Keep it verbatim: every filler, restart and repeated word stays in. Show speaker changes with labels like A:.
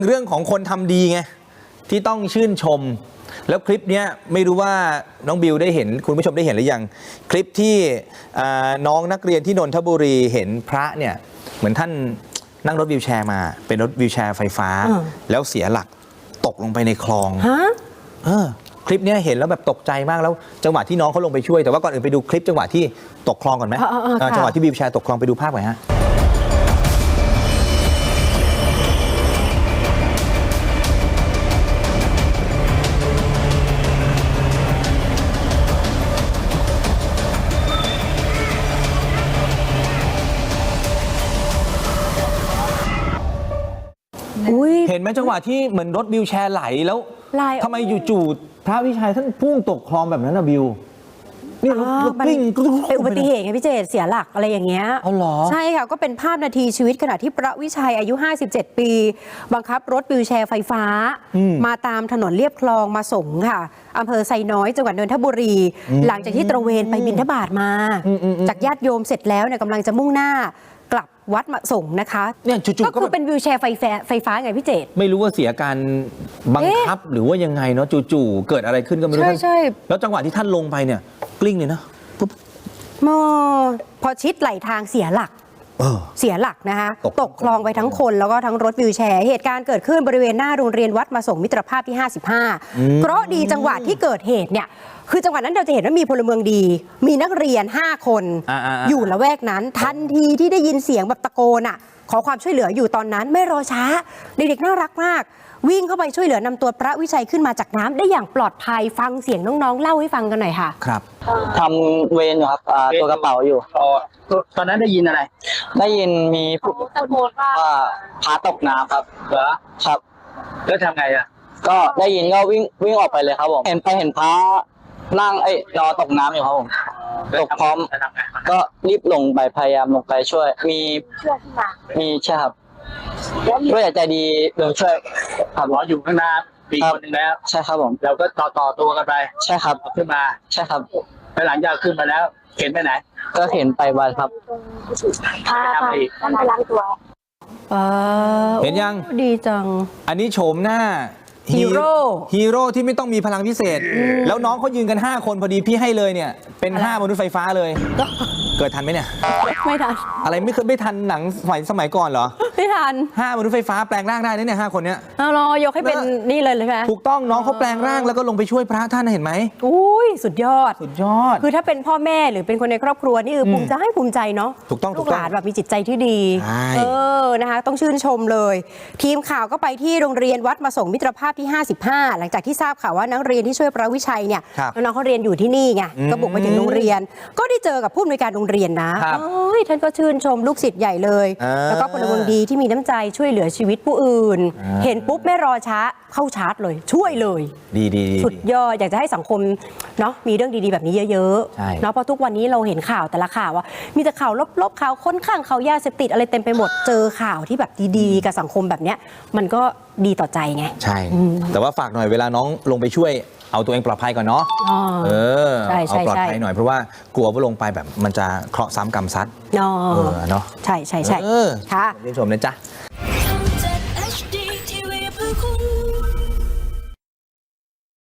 A: เรื่องของคนทำดีไงที่ต้องชื่นชมแล้วคลิปนี้ไม่รู้ว่าน้องบิวได้เห็นคุณผู้ชมได้เห็นหรือยังคลิปที่น้องนักเรียนที่นนทบุรีเห็นพระเนี่ยเหมือนท่านนั่งรถวีลแชร์มาเป็นรถวีลแชร์ไฟฟ้าแล้วเสียหลักตกลงไปในคลองเออคลิปนี้เห็นแล้วแบบตกใจมากแล้วจังหวะที่น้องเขาลงไปช่วยแต่ว่าก่อนอื่นไปดูคลิปจังหวะที่ตกคลองก่อนไหมจังหวะที่วีลแชร์ตกคลองไปดูภาพหน่อยฮะเห็นไหมจังหวะที่เหมือนรถวิวแชร์ไหลแล้วทำไมจู่ๆพระวิชัยท่านพุ่งตกคลองแบบนั้นนะบิวนี่รถกลิ้ง
B: เป็นอุบัติเหตุไงพี่เจษเสียหลักอะไรอย่างเงี้ย
A: อ๋อเหรอ
B: ใช่ค่ะก็เป็นภาพนาทีชีวิตขณะที่พระวิชัยอายุห้าสิบเจ็ดปีบังคับรถวิวแชร์ไฟฟ้ามาตามถนนเลียบคลองมาส่งค่ะอำเภอไซน้อยจังหวัดนนทบุรีหลังจากที่ตระเวนไปบิณฑบาตมาจากญาติโยมเสร็จแล้วเนี่ยกำลังจะมุ่งหน้ากลับวัดมาส่งนะคะ
A: เนี่ยจู่ๆ
B: ก็คือเป็นวิวแชร์ไฟฟ้าไฟฟ้าไงพี่เจษ
A: ไม่รู้ว่าเสียการบังคับหรือว่ายังไงเนาะจู่ๆเกิดอะไรขึ้นก็ไม่รู้
B: ใช่ใช่
A: แล้วจังหวะที่ท่านลงไปเนี่ยกลิ้งเลยนะปุ๊บ
B: พอชิดไหลทางเสียหลักเสียหลักนะคะตกคลองไปทั้งคนแล้วก็ทั้งรถวิวแชร์เหตุการณ์เกิดขึ้นบริเวณหน้าโรงเรียนวัดมาส่งมิตรภาพที่ห้าสิบห้าเพราะดีจังหวะที่เกิดเหตุเนี่ยคือจังหวะนั้นเราจะเห็นว่ามีพลเมืองดีมีนักเรียนห้าคนอยู่ละแวกนั้นทันทีที่ได้ยินเสียงแบบตะโกนอ่ะขอความช่วยเหลืออยู่ตอนนั้นไม่รอช้าเด็กๆน่ารักมากวิ่งเข้าไปช่วยเหลือนำตัวพระวิชัยขึ้นมาจากน้ำได้อย่างปลอดภัยฟังเสียงน้องๆเล่าให้ฟังกันหน่อยค่ะ
A: ครับ
C: ทำเวรอยู่ครับตัวกระเป๋าอยู่
D: ตอนนั้นได้ยินอะไร
C: ได้ยินมีผู้ว่าพาตกน้ำครับ
D: เหรอ
C: ครับ
D: แล้วทำไงอ่ะ
C: ก็ได้ยินก็วิ่งวิ่งออกไปเลยครับผมเห็นไปเห็นพระนั่งไอ้รอตกน้ำอยู่ครับผมตกพร้อมก็รีบลงไปพยายามลงไปช่วยมีมีใช่ครับก็อยากใจดีลงช่วย
D: ขับรถอยู่ข้างหน้าปีคนหนึ่งแล้ว
C: ใช่ครับผม
D: เราก็ต่อต่อตัวกันไป
C: ใช่ครับ
D: ขึ้นมา
C: ใช่ครับ
D: ไปหลังจากขึ้นมาแล้วเข็นไปไหน
C: ก็เข็นไปวัดครับ
B: พาไปไปล้างตัว
A: เห็นยัง
B: ดีจัง
A: อันนี้โฉมหน้า
B: ฮีโร่
A: ฮีโร่ที่ไม่ต้องมีพลังพิเศษแล้วน้องเขายืนกันห้าคนพอดีพี่ให้เลยเนี่ยเป็นห้ามนุษย์ไฟฟ้าเลยเกิดทันไหมเนี่ย
B: ไม่ทัน
A: อะไรไม่เคยไม่ทันหนังสมัยสมัยก่อนเหรอ
B: ไม่ทัน
A: ห้ามนุษย์ไฟฟ้าแปลงร่างได้เนี่ยห้าคนเนี้ย
B: เอารอยกให้เป็นนี่เลยเลยไหม
A: ถูกต้องน้องเขาแปลงร่างแล้วก็ลงไปช่วยพระท่านเห็นไหม
B: อุ้ยสุดยอด
A: สุดยอด
B: คือถ้าเป็นพ่อแม่หรือเป็นคนในครอบครัวนี่คือภูมิใจให้ภูมิใจเนาะ
A: ถูกต้อง
B: ลูกหลานแบบมีจิตใจที่ดีเออนะคะต้องชื่นชมเลยทีมข่าวก็ไปที่โรงเรียนวัดมาส่งมิตรภาพที่ห้าสิบห้าหลังจากที่ทราบข่าวว่านักเรียนที่ช่วยพระวิชัยเนี่ยน้องๆเขาเรียนอยู่ที่นี่ไงก็บุกไปถึงโรงเรียนก็ได้เจอกับผู้อำนวยการโรงเรียนนะเอ้ยท่านก็ชื่นชมลูกศิษย์ใหญ่เลยแล้วก็พลเมืองดีที่มีน้ำใจช่วยเหลือชีวิตผู้อื่นเห็นปุ๊บไม่รอช้าเข้าชาร์จเลยช่วยเลย
A: ดีดี
B: สุดยอดอยากจะให้สังคมเนาะมีเรื่องดีๆแบบนี้เยอะๆเนาะเพราะทุกวันนี้เราเห็นข่าวแต่ละข่าวว่ามีแต่ข่าวลบๆข่าวค้นข้างข่าวยาเสพติดอะไรเต็มไปหมดเจอข่าวที่แบบดีๆกับสังคมแบบเนี้ยมันก็ดีต่อใจไง
A: ใช่แต่ว่าฝากหน่อยเวลาน้องลงไปช่วยเอาตัวเองปลอดภัยก่อนเนาะเออเอาปลอดภัยหน่อยเพราะว่ากลัวว่าลงไปแบบมันจะเคราะห์ซ้ำกรรมซัดเนาะเนาะ
B: ใช่ใช่ใช่
A: ค่ะชื่นชมนะจ๊ะ